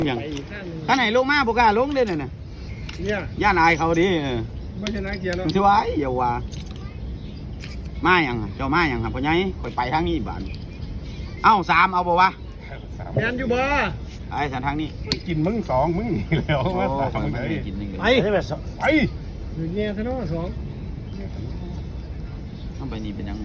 อย่างข้างไหนลงมาบุกล้าลงเด้อน่ะเนี่ยย่านอายเขาดิไม่ชนะเกียร์เนาะมันสิว่าอย่าว่ามาอย่างเจ้ามาอย่างครับพ่อใหญ่ข่อยไปทางนี้บ้านเอ้า3เอาบ่วะแมนอยู่บ่ไอ้สันทางนี้กินมึง2มึงนี่แล้วมา3มึงเลยกินนึงไปไปอยู่เงี้ยซะเนาะต้องไปนี่เป็นยังบ่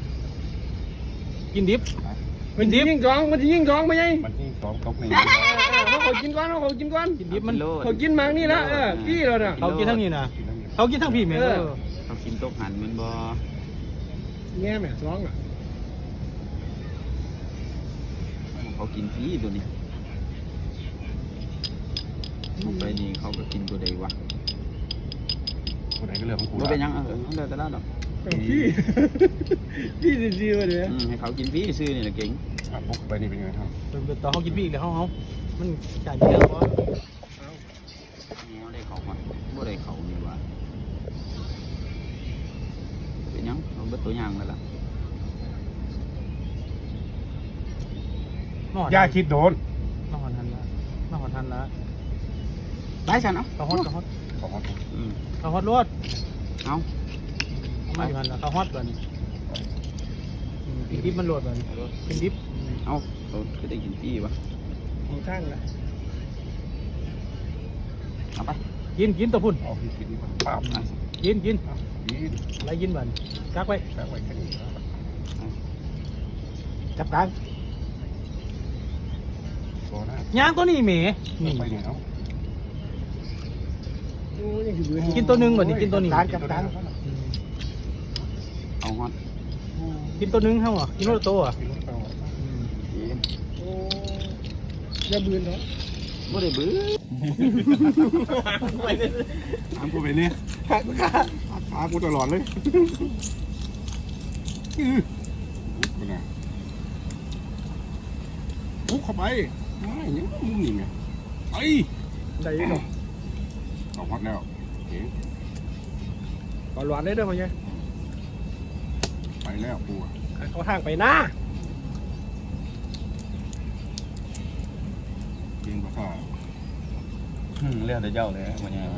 กินดิบมันยิง2มันยิง2ไปไงมันยิง2ตกนี่เขากินก่อนเขากินก่อนกินดิบมันเขากินมังนี่นะพี่เราน่ะเขากินทั้งนี้นะเขากินทั้งพี่แม่เขากินตกหันมันบ่แง่แม่2อ่ะเขากินฟรีตัวนี้ไปนี่เขาก็กินตัวใดวะตัวไหนก็เรื่องของกูบ่เป็นยังเลิกแต่ละดอกพี่ซื่อๆว่าเด้ให้เขากินฟรีซื้อนี่แหละเก่งพกไปนี่เป็นไงครับต่อเขากินพี่อีกแล้วเขามันจ่ายเยอะเพราะได้เขาบ่ได้เขานี่ว่าเป็นยังเอาเบิดตัวอย่างแล้วล่ะย่าคิดโดนมาหอนทันละได้ฉันเนาะเขาฮอตรถเอามาอยู่หันละเขาฮอตก่อนกินดิบมันโหลดก่อนกินดิบเอาคือได้กินฟรีปะของข้างละเอาไปกินตัวพุ่นเอากินปั๊บกินอะไรกินบ้านกักไว้แค่นี้จับกลางย่างตัวนี้แหมนี่ไปเนี่ยกินตัวหนึ่งก่อนดิกินตัวนี้จับกลางเอาฮอตกินตัวหนึ่งเท่าอ่ะกินรถโตอ่ะอย่าบืนเนาะไม่ได้บื้อถามกูไปเนี่ยขากูตลอดเลยปุ๊บเข้าไปไม่เนี่ยมึงนี่ไงไปได้ยังไงเอาฮอตแล้วเก๋ก่อนหวานได้ด้วยมั้ยไปแล้วปูเขาทางไปหน้าเก่งกว่าข้าเรื่องแต่เจ้าเลยวันนี้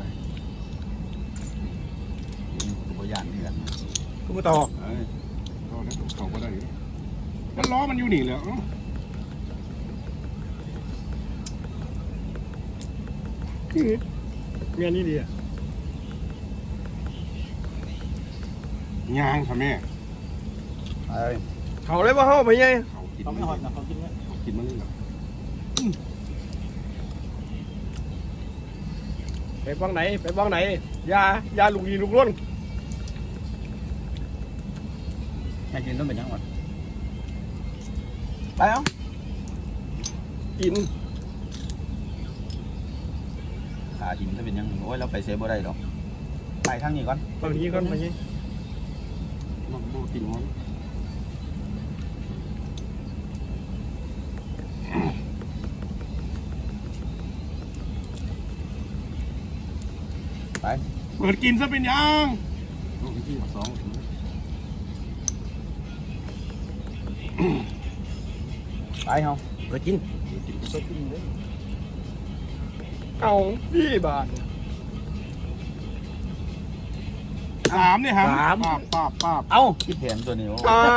ตัวอย่างนี่กันกูมาต่อต่อแล้วต่อก็ได้มันล้อมันอยู่นี่แล้วเมียนี่ดีอ่ะยางค่ะแม่เขาเลยว่าเขาไปไงเขาไม่หอดนะเขากินไหมเขากินมันเลยเหรอไปบ้างไหนยาลูกยีลูกล้นไม่กินต้องเป็นยังไงไปเอากินขาหินจะเป็นยังโอ้ยเราไปเซฟบ่ได้หรอกไปทางนี้ก่อนไปนี้ก่อนไปนี้มันโบกินมันไปเปิดกินซะเป็นยังลูกที่2 ไปเฮาไปกินเลยเอาพี่บาท 3เนี่ยฮะป้าเอ้าคิดแผนตัวนี้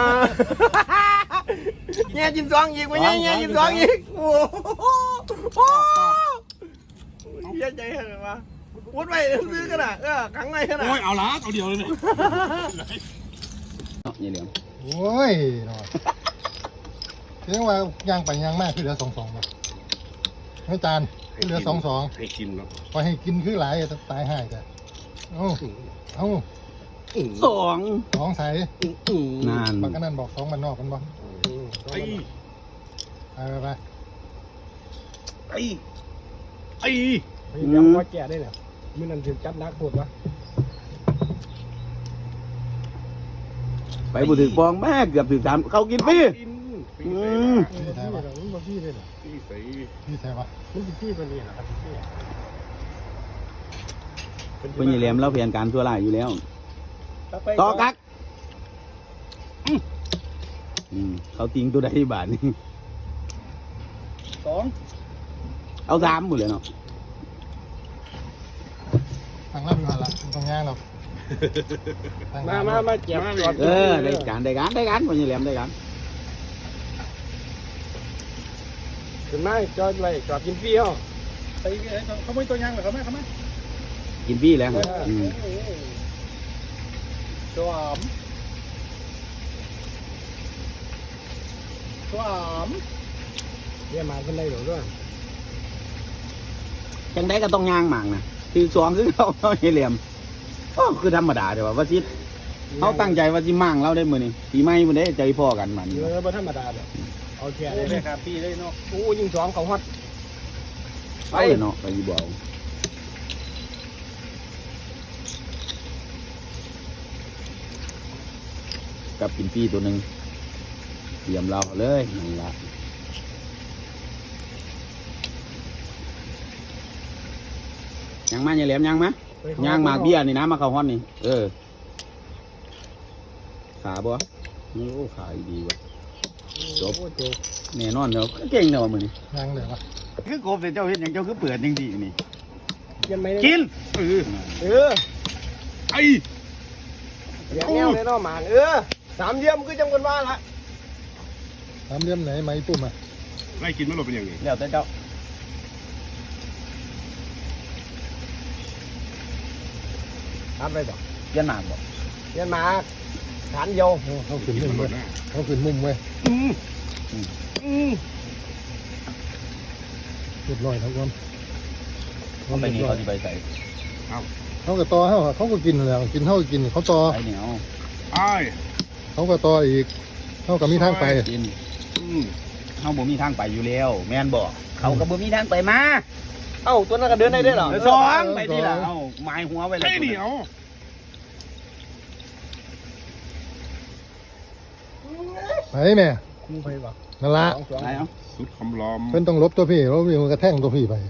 แง่กิน2อีกวะแง่กิน2อีกโอ้โหเยอะใจขนาดวะวุ้นไปซื้อกันอ่ะครั้งในขนาดโอ้ยเอาละเอาเดียวเลยเนี่ยนี่เหลี่ยมโอ้ยเรียกว่ายางไปยางมากคือเหลือ2-2ป่ะให้จานคือเหลือ2-2 ให้กินเนาะพอให้กินคือหลายจะตายห่ายจ้ะเอา2ใส่นานบางกันนั่นบอก2มันนอกกันบ่ไปยังว่าแก่ได้เนี่ยมันนั่นถึงจับนักปวดวะไปบุตรฟองแม่เกือบถึง3เขากินพี่พี่ใส่ปะมันพี่เป็นนี่นะครับพี่เป็นยี่เหลี่ยมเราเพียงการทั่วไร่อยู่แล้วต่อกักเขาติงตัวใดบาทนี่ 2 เอาสามหมดเลยเนาะทางล่างอยู่หันละตรงย่างเรามาเจ็บก่อนได้การพอยี่แหลมได้การขึ้นมาจอดไว้จอดกินฟรีเหรอไปเขาไม่ตัวย่างหรอเขาไม่กินพี่แล้วสวมเนี่ยมาเป็นไรหรอด้วยจังได้ก็ต้องย่างหมางนะคือสองคือเขายี่แหลมก็คือธรรมดาเดี๋ยวว่าจิตเขาตั้งใจว่าจิมั่งเราได้มือนี่ปีใหม่มือได้ใจพ่อกันมันบ่ธรรมดาแบบเอาแค่ได้ครับพี่ได้เนาะโอ้ยิงสองเขาฮอตไปเนาะไปยี่บ่าวกับกินพี่ตัวหนึ่งเตรียมเราเลยนั่นละยังมาอย่าแหลมยังมะย่างหมากเบี้ยนี่นะมาเข้าห้อนนี่ขาบ่โอ้ขาดีว่ะจบแน่นอนเนาะเก่งเนาะมือนี่ย่างเลยวะคือกบแต่เจ้าเห็นอย่างเจ้าคือเปิดจริงดีนี่ยังไม่กินไอ้ยังแนวเลยเนาะหมานสามเยี่ยมคือจำกันว่าละทำเลี่ยมไหนไม้ปุ่มอ่ะไล่กินมันหลบเป็นอย่างนี้เดี๋ยวแต่เจ้าทำไปบ่เย็นหมากบ่เยี่ยมมาฐานโยเขาขึ้นกินมุมมันหลเว้ยบหน้าเขาขึ้นมุมเว้ยเรียบร้อยทั้งวันเขาไปนี่เขาจะไปใส่เขาก็ต่อเขาก็กินแล้วกินเขาก็กินเขาต่อไปเหนียวไอ้เขาก็ต่ออีกเขาก็มีทางไปกินเขาบ่มีทางไปอยู่แล้วแม่นบอกเขาก็บ่มีทางไปมาเอ้าตัวนั้นก็เดินได้ด้วยเหรอสองไปนี่ล่ะเอาไม้หัวไว้แล้วไอ้เหนียวไปแม่คู่ไปบ่นั่นละไหนเอาสุดคำล้อมเพิ่นต้องลบตัวพี่แล้วมันกระแทงตัวพี่ไป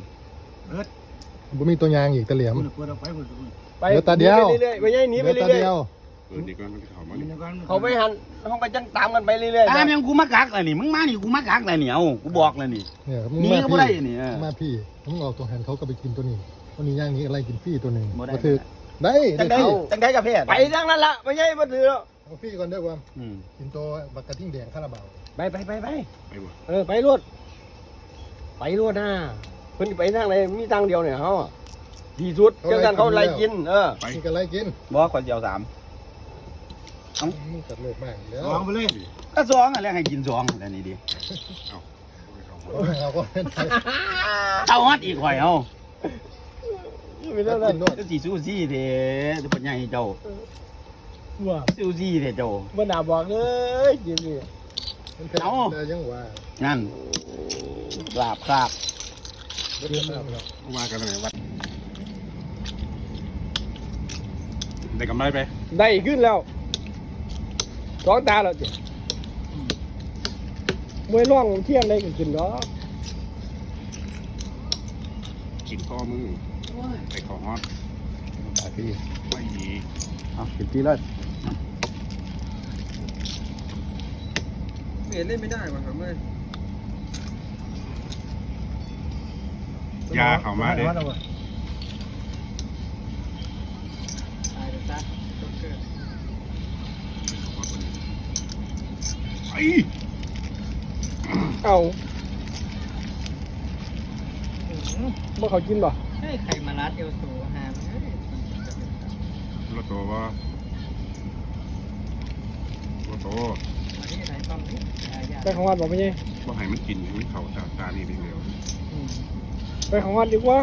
บ่มีตัวยางอีกตะเหลี่ยมไปเดี๋ยวตาเดียวเรื่อยๆไปยัยหนีไปเหลือเรื่ตาอยเดียวดีก่อนมันเขามาเนี่ยๆเขาไปหันห้องไปจังตามกันไปเรื่อยๆตามยังกูมากักเลยนี่มึงมานี่กูมากักเลยนี่เอากูบอกเลยนี่เนี่ยมึงหนีมาก็บ่พี่ได้นี่มาพี่มึงออกตัวหันเขาก็ไปกินตัวนี้ตัวนี้ย่างนี้อะไรกินฟรีตัวหนึ่งบ่ได้ก็ถือได้จังได้เข้าจังได้กับเพศไปทางนั้นละไม่ใช่มาถือแล้วเอาฟรีก่อนเด้อความอืมกินตัวบักกระทิ่งแดงคาราบาวไปไปบ่ไปรวดนะเพิ่นไปทางไหนมีทางเดียวเนี่ยเขาดีสุดเจ้ากันเขาไล่กินไปนี่ก็ไรกินบอกคนเดียวสามมึงกัดโลกมากแล้วลองไปเลยก็สองอะไรให้กินสองอะไรนี่ดิเราก็เป็นไปเอาฮอดอีกข่อยเอาไม่ได้เลยก็สิซูซี่เด้จะเป็นยังไงเจ้าว่าซูซี่เด้เจ้าบ่น่าบอกเลยกินนี่เป็นแค่แต่ยังว่านั่นลาบครับเรื่องมากแล้วว่ากันไหนวัดได้กำไรไปได้ขึ้นแล้วสองตาแล้วจ้ะมวยร่องเที่ยงได้ก็กินเนาะกินข้อมือไปข้อฮอตพี่ไม่ดีเอากินที่เลยเล่นไม่ได้ว่ะครับเมื่อยาเข้ามาเด้ไอ้เอาบ่เขากินบ่เฮ้ยใครมารัดเอวสูหามเฮ้ยรถโตว่ารถโตมาที่ไหนฟังนี่ยาไปของวัดบอกไม่ใช่ว่าให้มันกินมันเข่าตานี่เดียวไปของวัดดีกว่า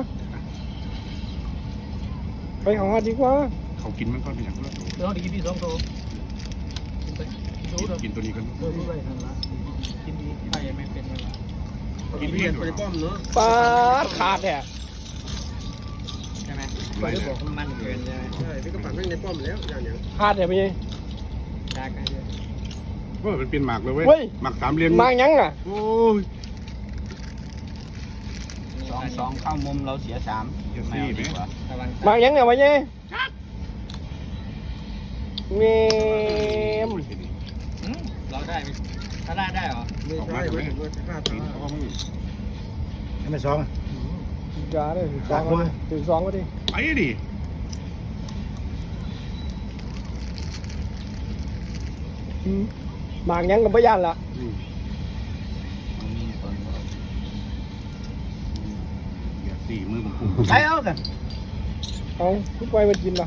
ไปของวัดดีกว่าเขากินมันก็เป็นอย่างรถโตลองดีกินพี่สองโตกินไปดูเถอะกินตัวนี้กันดูไปนั่นละกินดีไปไม่เป็นเวลากินเพี้ยนไปป้อมเนาะปาดขาดแท้ใช่ไหมไปบอกมันเกินใช่ไหมใช่พี่ก็ปั่นไม่ในป้อมแล้วอย่างอย่างขาดแท้ไม่ใช่ชากันเยอะว่ามันเป็นหมากเลยเว้เฮ้ยยหมากสามเหลี่ยมมายังอ่ะโอ้ยสองเข้ามุมเราเสียสามไม่เอาดีกว่าระวังมายังเนี่ยไม่ใช่เมมเราได้ไหมถ้าได้ได้เหรอออกมาทำไมกินข้อมือไม่สองจ้าเลยสองมาถึงสองก็ดิไปดิหมากยังกับพยานละอย่าสี่มือผมไปเอากันเอาทุกไปมันกินปะ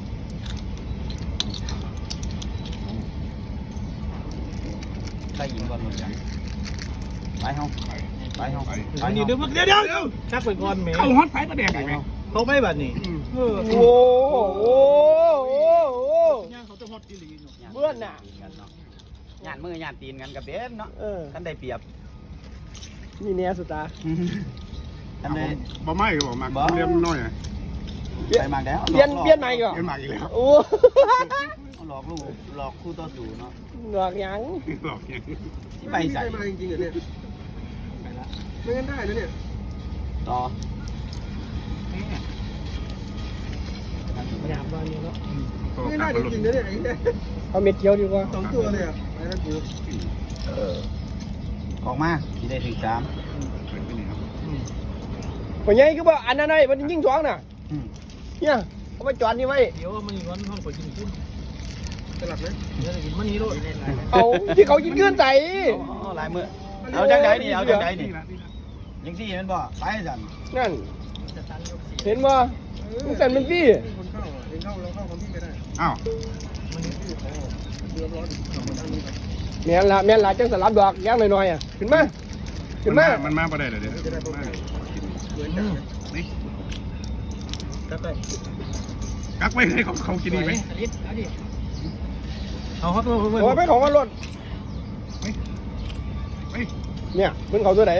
ไปยิงก่อนหมดยังไปเฮาไปเฮาไปอันนี้เดี๋ยวชักไปก่อนแม่เข้าฮอตไฟประเดี๋ยวไหมเขาไม่แบบนี้โอ้โหเขาจะฮอตกิลีเบื่อหน่ะหยาดมือหยาดตีนกันกับเบสเนาะ ท่านได้เปรียบนี่เนี่ยสุดตาท่านได้บ่ไม่ก็บอกมาเรียมน้อยอ่ะไปมาแล้วเปลี่ยนใหม่ก่อนเรียนมาอีกแล้วโอ้หลอกลูกหลอกคู่ต่อสู้เนาะหนวกยังหลอกยังที่ไปใส่มาจริงๆเหรอเนี่ยไม่งั้นได้นะเนี่ยต่อพยายามบ้านนี้เนาะไม่ได้จริงๆนะเนี่ยไอ้เนี่ยเอาเม็ดเกี๊ยวดีกว่าสองตัวเลยอ่ะไปแล้วกูออกมาที่ได้ถึง3 วันนี้คือว่าอันนั้นไอ้มันยิ่งสองน่ะเนี่ยเอาไปจอดนี่ไว้เดี๋ยวมันย้อนห้องไปกินขึ้นตลาดนะเดี๋ยวกินมันนี้ด้วยเอาที่เขากินเกลือนใส่ลายมือเอาจังไดนี่เอาจังไดนี่ยังที่มันบ่ไปจันนั่นเห็นบ่มึงสั่นมันพี่คนเข้าเองเข้าเราเข้าคนที่ไม่ได้อ้าวมันนี่คือเดือดร้อนสองคนด้านนี้ครับแม่นละจังสลับดอกย่างหน่อยๆอ่ะขึ้นมาขึ้นมามันมาประเดี๋ยวเดี๋ยวจะได้พบกันเหมือนกันนี่ก็ได้กักไว้ให้เขากินดีไหมเอาเขาตัวเพื่อนโอ้ยไปของมันหล่นไปเนี่ยมันเขาตัวไหน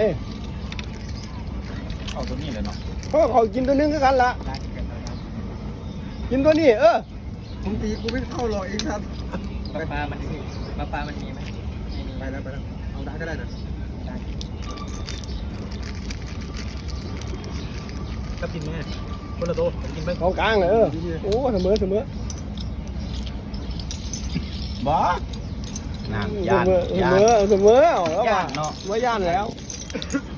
เอาตัวนี้เลยเนาะเพราะเขากินตัวนึงคือกันละกินตัวนี้ผมตีกูไม่เข้าหรอกเองครับปลามันมีไหมไปแล้วเอาได้ก็ได้นะกับกินแม่คนละโตกินไปของกลางโอ้เสมอบ่นั่นเสยานมอยานเสมอเอาแล้วย่านเนาะว่าย่านแล้วย